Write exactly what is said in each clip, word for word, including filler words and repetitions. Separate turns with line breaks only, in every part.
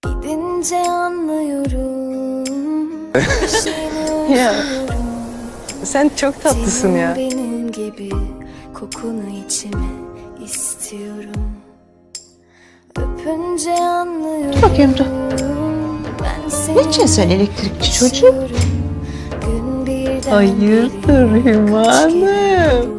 Gidince anlıyorum.
Ya sen çok tatlısın ya.
Benim gibi kokunu içime istiyorum. Öpünce anlıyorum.
Dur bakayım dur.
Ben seni
Niçin sen elektrikçi çocuk?
istiyorum. Gün birden
Hayırdır Hümanım?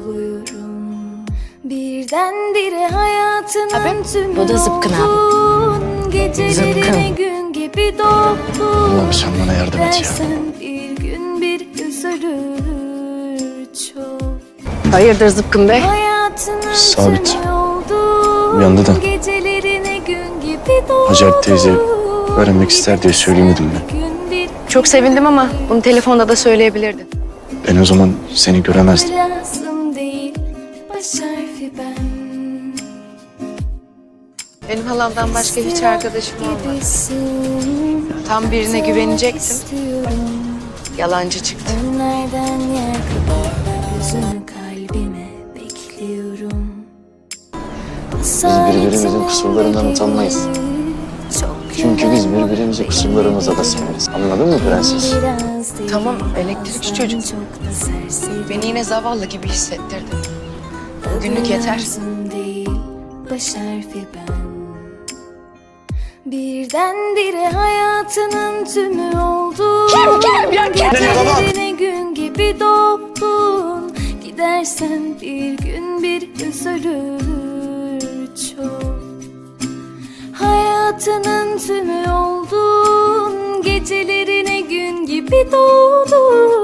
Birdenbire hayatının
Abi,
tümü
bu da Zıpkın abi.
oldun. Gecelerine
Zıpkın.
gün gibi doldun.
Allah'ım sen bana yardım et ya.
Dersen bir gün bir üzülür çok.
Hayırdır Zıpkın Bey?
Hayatının
Sabit.
tümü oldun.
Uyandı da.
Gecelerine gün gibi doldun.
Hacer teyze öğrenmek ister diye söyleyemedim ben.
Gün bir
Çok sevindim ama bunu telefonda da söyleyebilirdin.
Ben o zaman seni göremezdim.
lazım değil. Baş harfi ben.
Benim halamdan başka hiç arkadaşım olmadı.
Gibisin.
Tam birine güvenecektim.
İstiyorum.
Yalancı çıktı.
Önlerden yer kadar gözünü kalbime bekliyorum.
Biz birbirimizin kusurlarından utanmayız. Çünkü biz birbirimizi kusurlarımıza da severiz. Anladın mı prenses?
Tamam, elektrikçi çocuk. Beni yine zavallı gibi hissettirdin. Bugünlük yeter.
Değil, baş harfi ben. Birdenbire hayatının tümü oldun.
Kim, kim, ya kim?
Gecelerine gün gibi doldun. Gidersen bir gün bir üzülür çok. Hayatının tümü oldun. Gecelerine gün gibi doğdun.